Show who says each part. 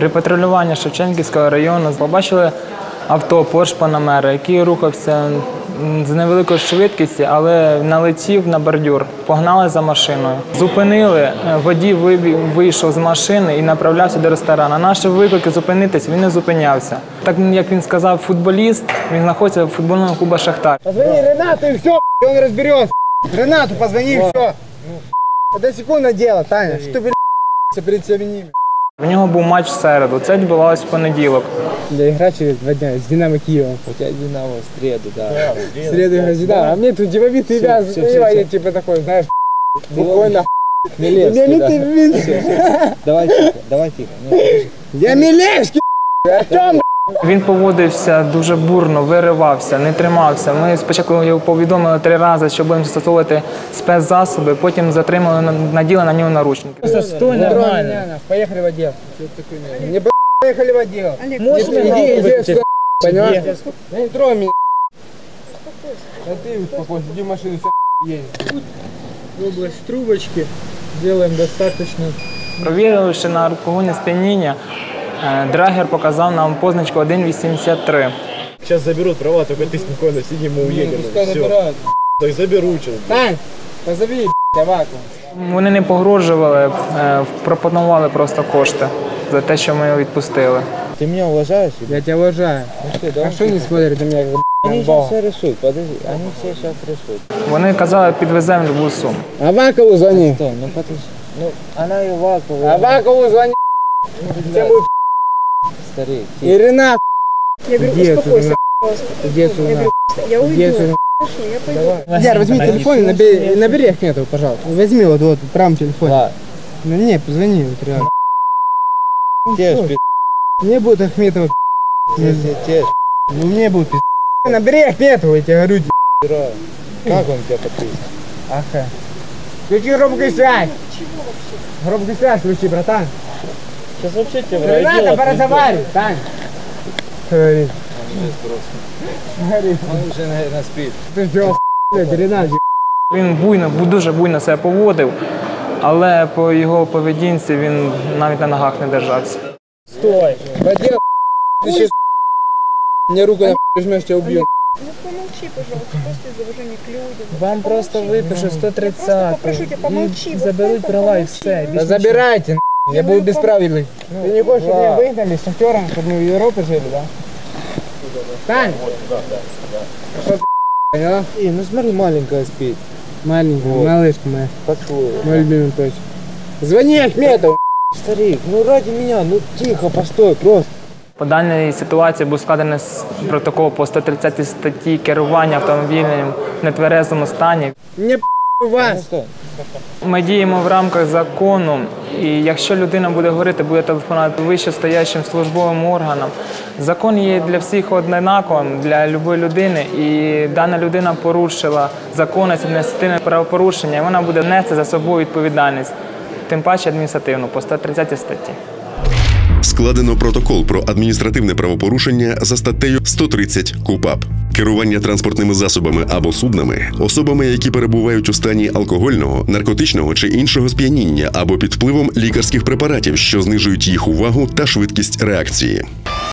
Speaker 1: При патрулюванні Шевченківського району побачили авто Porsche Panamera, який рухався з невеликою швидкістю, але налетів на бордюр, погнали за машиною. Зупинили, водій вийшов з машини і направлявся до ресторану. Наші виклики зупинитись, він не зупинявся. Так, як він сказав, футболіст, він знаходиться в футбольному клубі «Шахтар».
Speaker 2: Позвони Ренату и все, он разберется. Ренату позвони и все. Это секундное дело, Таня, что ты, перед всеми.
Speaker 1: У нього був матч в середу, це відбувалося в понеділок.
Speaker 2: Я игра через 2 дня с Динамо Киевом.
Speaker 3: У тебя Динамо в среду, да.
Speaker 2: В среду игра с Динамо. А мне тут типа вид тебя, я типа такой, знаешь, буквально
Speaker 3: Милевский, да. Давай тихо.
Speaker 2: Я Милевский, Артем.
Speaker 1: Він поводився дуже бурно, виривався, не тримався. Ми спочатку його повідомили 3 рази, що будемо застосовувати спецзасоби, потім затримали, наділи на нього наручники.
Speaker 2: Стой, нормально. Поехали в отдел. Не поехали в отдел. Иди, понимаешь? Не трогай меня. А ты успокойся, иди в машину, едем. В область трубочки делаем достаточно.
Speaker 1: Провіривши на алкогольне сп'яніння, драгер показав нам позначку 1,83.
Speaker 4: Сейчас заберут права, только ты спокойно сиди, мы уедем.
Speaker 2: Все.
Speaker 4: Так заберут сейчас.
Speaker 2: Тань, позови Аваку.
Speaker 1: Вони не погрожували, пропонували просто кошти за те, що ми його відпустили.
Speaker 3: Ты меня уважаешь?
Speaker 2: Я тебя уважаю. А что не смотрят на меня,
Speaker 3: Они
Speaker 2: как
Speaker 3: сейчас все решут, подожди, они все сейчас решут.
Speaker 1: Вони казали, підвеземо любу суму.
Speaker 2: Авакову звони.
Speaker 3: Стой, ну подожди. Ну, она и Вакова.
Speaker 2: Авакову звони. Всем будет
Speaker 3: Старик,
Speaker 2: и Ренат.
Speaker 5: Я говорю,
Speaker 2: Где
Speaker 5: успокойся,
Speaker 2: Где сюда?
Speaker 5: я уйду.
Speaker 2: Где сюда?
Speaker 5: Хорошо, я пойду.
Speaker 2: Яр, возьми телефон и набери Ахметова, пожалуйста. Возьми вот в правом телефоне.
Speaker 3: Да.
Speaker 2: Ну не, позвони, вот реально.
Speaker 3: Те ж,
Speaker 2: Мне будет Ахметова.
Speaker 3: те ж,
Speaker 2: Ну мне будет Набери Ахметова, я тебе говорю.
Speaker 3: пи***ра. Как он тебя подписал?
Speaker 2: Ага. Включи громкую связь. Громкую связь включи, братан.
Speaker 3: Сейчас вообще тебя в райдело
Speaker 2: Рената,
Speaker 3: отвезут.
Speaker 2: поразговаривай, Тань. Говорит. Говорит.
Speaker 3: Он уже, наверное, спит.
Speaker 2: Ты что, блядь, Ренат?
Speaker 1: Він дуже буйно себе поводив, але по його поведінці він навіть на ногах не держався.
Speaker 2: Стой. Водил, ты сейчас мне руку нажмешь, тебя убью.
Speaker 5: Ну помолчи, пожалуйста, просто из уважения к людям.
Speaker 1: Вам просто випишу 130
Speaker 5: Просто попрошу тебя, помолчи. вот
Speaker 1: заберуть
Speaker 5: просто
Speaker 1: права и
Speaker 5: помолчи.
Speaker 1: все.
Speaker 2: Да забирайте, я буду бесправедный. Ты не хочешь, чтобы меня выгнали с шахтером, чтобы мы в Европе жили, да? Тань! Что ты, поняла?
Speaker 3: Ну смотри, маленькая спит.
Speaker 2: Маленькая,
Speaker 3: Вот.
Speaker 2: малышка моя,
Speaker 3: Поцелуй.
Speaker 2: мой любимый точно. Звони Ахметову!
Speaker 3: Старик, ну ради меня, ну тихо, постой, просто.
Speaker 1: По даній ситуації був складений протокол по 130 статті керування автомобілем в нетверезому стані.
Speaker 2: Мне вас!
Speaker 3: Стой.
Speaker 1: Ми діємо в рамках закону, і якщо людина буде говорити, буде телефонувати вищестоящим службовим органам. Закон є для всіх однаковим, для будь-якої людини, і дана людина порушила законність адміністративне правопорушення, і вона буде нести за собою відповідальність, тим паче адміністративну, по 130 статті.
Speaker 6: Складено протокол про адміністративне правопорушення за статтею 130 КУпАП. Керування транспортними засобами або суднами особами, які перебувають у стані алкогольного, наркотичного чи іншого сп'яніння або під впливом лікарських препаратів, що знижують їх увагу та швидкість реакції.